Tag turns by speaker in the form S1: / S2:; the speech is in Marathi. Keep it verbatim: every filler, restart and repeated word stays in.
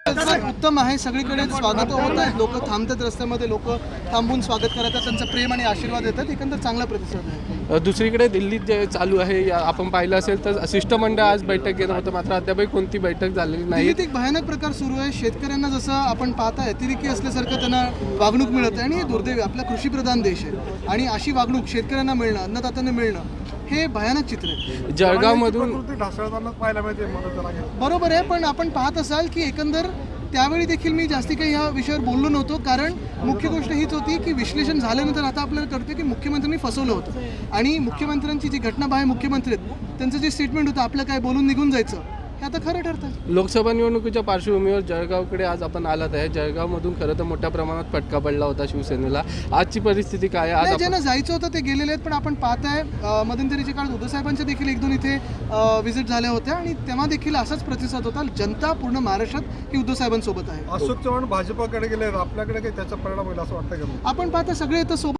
S1: उत्तम आहे, सगळीकडे स्वागत होत आहे, लोक थांबतात रस्त्यामध्ये, लोक थांबून स्वागत करतात, त्यांचा प्रेम आणि आशीर्वाद देतात, एकंदर चांगला प्रतिसाद आहे.
S2: दुसरीकडे दिल्लीत जे चालू आहे या आपण पाहिलं असेल तर शिष्टमंडळ आज बैठक घेणं होतं, मात्र अद्यापही कोणती बैठक झालेली नाही.
S1: दिल्लीत एक भयानक प्रकार सुरू आहे. शेतकऱ्यांना जसं आपण पाहताय अतिरेकी असल्यासारखं त्यांना वागणूक मिळत आहे आणि हे दुर्दैवी, आपला कृषीप्रधान देश आहे आणि अशी वागणूक शेतकऱ्यांना मिळणं, अन्नदात्यांना मिळणं हे भयानक चित्र आहे.
S2: जळगावमधून
S3: पाहायला मिळते.
S1: बरोबर आहे, पण आपण पाहत असाल की एकंदर त्यावेळी देखील मी जास्ती काही ह्या विषयावर बोललो नव्हतो, कारण मुख्य गोष्ट हीच होती की विश्लेषण झाल्यानंतर आता आपल्याला कळतं की मुख्यमंत्र्यांनी फसवलं होतं आणि मुख्यमंत्र्यांची जी घटनाबाह्य मुख्यमंत्री आहेत त्यांचं जे स्टेटमेंट होतं आपलं काय बोलून निघून जायचं हे आता खरं ठरतं.
S2: लोकसभा निवडणुकीच्या पार्श्वभूमीवर जळगावकडे आज आपण आलात आहे. जळगावमधून खरं तर मोठ्या प्रमाणात फटका पडला होता शिवसेनेला. आजची परिस्थिती काय आहे? आज
S1: ज्यांना जायचं होतं ते गेलेले आहेत, पण आपण पाहताय मध्यंतरीच्या काळात उद्धवसाहेबांच्या देखील एक दोन इथे व्हिजिट झाल्या होत्या आणि तेव्हा देखील असाच प्रतिसाद होता. जनता पूर्ण महाराष्ट्रात ही उद्धवसाहेबांसोबत आहे.
S3: अशोक चव्हाण भाजपाकडे गेले, आपल्याकडे काही त्याचा परिणाम होईल असं वाटतं का?
S1: आपण पाहता सगळे इथं सोबत